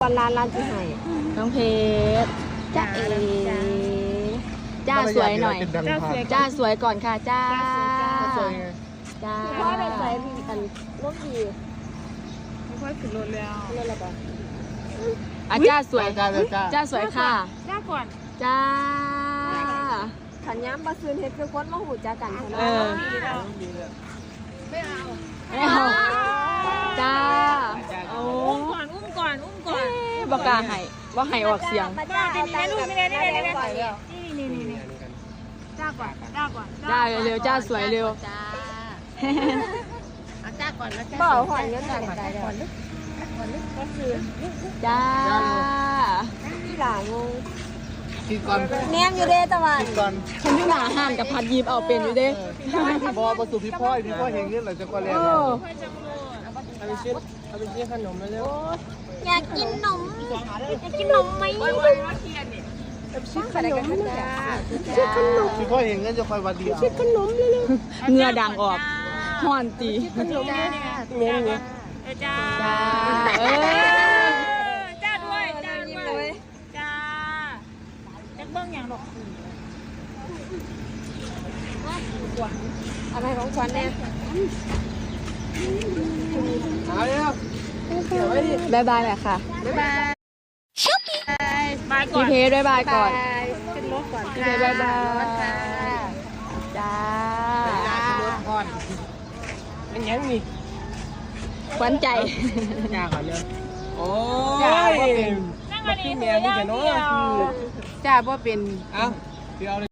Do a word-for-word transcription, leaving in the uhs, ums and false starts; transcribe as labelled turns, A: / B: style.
A: วันร้านร้านที่ไหนน้องเพชรจ้าเอจ้าสวยหน่อยจ้าสวยก่อนค่ะจ้าจ้าพ่อได้ใส่พี่กันรถดีไม่ค่อยขึ้นรถแล้วรถอะไรบ้างอ่ะจ้าสวยจ้าสวยค่ะจ้าก่อนจ้าขันย้ำบาซื้อเฮ็ดคือคนมาหูจ้ากันเออไม่เอาไม่เอาจ้าอุ้มก่อนอุ้มก่อนอุ้มก่อนบอกกาให้ว่าให้ออกเสียงนี่นี่ลูกนี่นี่นี่นี่นี่นี่จ้าก่อนจ้าก่อนจ้าเร็วจ้าสวยเร็วจ้าจ้าก่อนแล้วจ้าบอกหอยเงินก่อนได้ก่อนลึกก่อนลึกก็คือจ้าที่หลางงกินก่อนแนมอยู่เด้ตะวันกินก่อนฉันที่หนาห่านกับพัดยีบเอาเป็นอยู่เด้
B: บอประสูพี่พ่อยพี่พ่อยเห็นเงินหรือจะก่อนเรียนเอาไปชิ้นเอาไปชิ้นขนมมาเร็ว
A: อยากกินนมอยากกินนมไหมชิ้นขนมจ้าชิ้นขนม
B: พี่พ่อยเห็นเงินจะคอยวันเดียว
A: ชิ้นขนมเลยเงือดังออกห่อนตี
B: ขนมเงี้ยเงี้ย
A: จ้าจ้าเออจ้าด้วยจ้าด้วยจ้าจะเบิ้งอย่างหรอกอะไรของฉันเนี่ย
B: เอาเลยครับ
A: บายบายแหละค่ะบายบายบายก่อนพี่เพชรบายบายก่อนขึ้นรถก่อนพี่เพชรบายบายจ้า
B: ขึ้นรถก่อนเป็นยังนี่
A: ขวัญใจ
B: ยากเหรอเนี่ยโอ้ยนั่งมาดีเมียนี่จะโน้จ้าบ่เป็นเอ้าเดี๋ยว